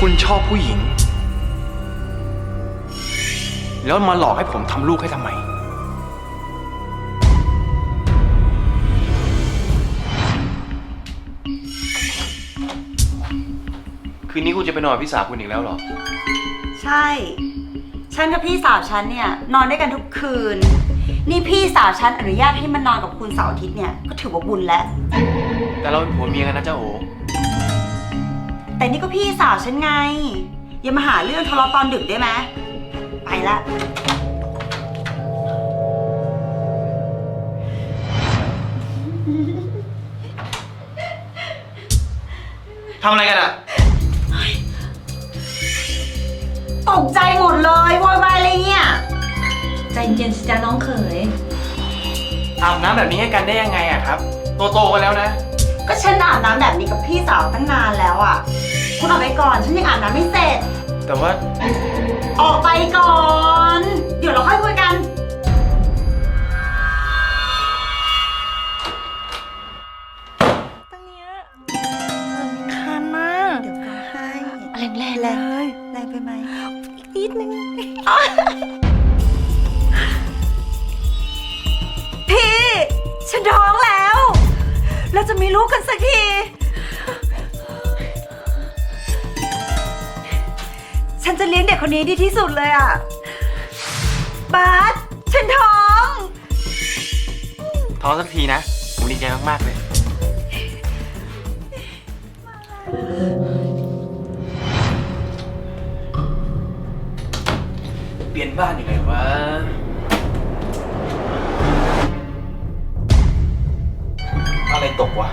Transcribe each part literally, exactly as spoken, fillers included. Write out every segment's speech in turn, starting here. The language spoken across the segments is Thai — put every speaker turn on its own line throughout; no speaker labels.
คุณชอบผู้หญิงแล้วมาหลอกให้ผมทำลูกให้ทำไมคืนนี้คุณจะไปนอนกับพี่สาวคุณอีกแล้วเหรอ
ใช่ฉันกับพี่สาวฉันเนี่ยนอนด้วยกันทุกคืนนี่พี่สาวฉันอนุญาตให้มันนอนกับคุณเสาร์อาทิตย์เนี่ยก็ถือว่าบุญแล้ว
แต่เราเป็นผัวเมียกันนะเจ้าโอ
แต่นี่ก็พี่สาวฉันไงอย่ามาหาเรื่องทะเลาะตอนดึกได้ไหมไปละ
ทำอะไรกันอะ
ตกใจหมดเลยโวยวายอะไรเนี่ย
ใจเย็นสิจ้าน้องเขย
อาบน้ำแบบนี้ให้กันได้ยังไงอะครับโตโตกันแล้วนะ
ก็ฉันอาบน้ำแบบนี้กับพี่สาวตั้งนานแล้วอะคุณออกไปก่อนฉันยังอาบน้ำไม่เสร็จ
แต่ว่า
ออกไปก่อนเดี๋ยวเราค่อยคุยกัน
ตรงนี้คันมาก
เดี๋ยวก็ให้
แรงแรง
เลยแรงไปไหม
อีกนิดนึง
พี่ฉันท้องแล้วเราจะมีลูกกันสักทีฉันจะเลี้ยงเด็กคนนี้ดีที่สุดเลยอ่ะบาสฉันท้อง
ท้องสักทีนะผมดีใจมากๆเลยเปลี่ยนบ้านอยู่ไหนวะอะไรตกวะ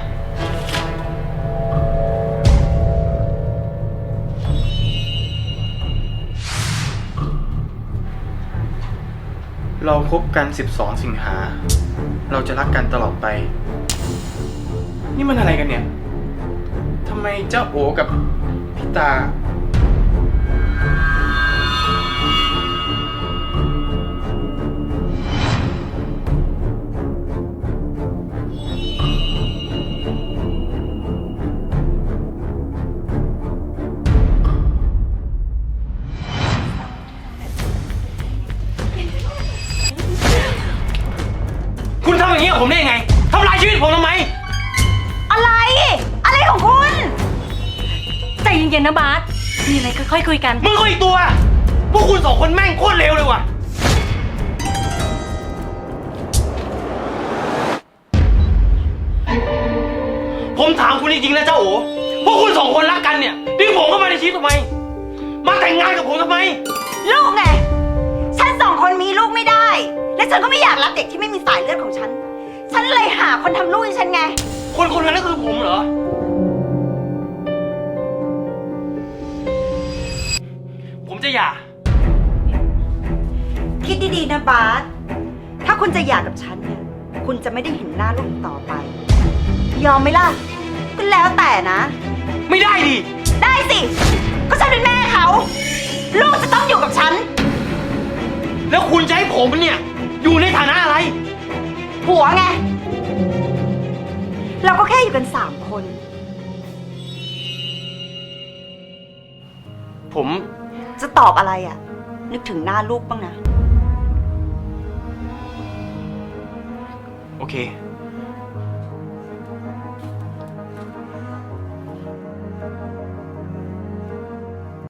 เราคบกันสิบสองสิงหาเราจะรักกันตลอดไปนี่มันอะไรกันเนี่ยทำไมเจ้าโอกับพี่ตาคุณทำอย่างนี้กับผมได้ยังไงทำลายชีวิตผมทำไม
อะไรอะไรของคุณ
ใจเย็นๆนะบาสมีอะไรค่อยๆคุยกัน
มึงก็อีกตัวพวกคุณสองคนแม่งโคตรเลวเลยว่ะผมถามคุณจริงๆนะเจ้าโอพวกคุณสองคนรักกันเนี่ยดึงผมเข้ามาในชีวิตทำไมมาแต่งงานกับผมทำไม
ลูกไงฉันสองคนมีลูกไม่ได้และฉันก็ไม่อยากรับเด็กที่ไม่มีสายเลือดของฉันฉันเลยหาคนทำลูกให้ฉันไง
คนคนนั้นก็คือผมเหรอผมจะหย่า
คิดดีๆนะบาสถ้าคุณจะหย่ากับฉันเนี่ยคุณจะไม่ได้เห็นหน้าลูกต่อไปยอมไหมล่ะก็แล้วแต่นะ
ไม่ได้ดิ
ได้สิก็ฉันเป็นแม่เขาลูกจะต้องอยู่กับฉัน
แล้วคุณจะให้ผมเนี่ยอยู่ในฐานะอะไร
ผัวไงเราก็แค่อยู่กันสามคน
ผม
จะตอบอะไรอ่ะนึกถึงหน้าลูกบ้างนะ
โอเค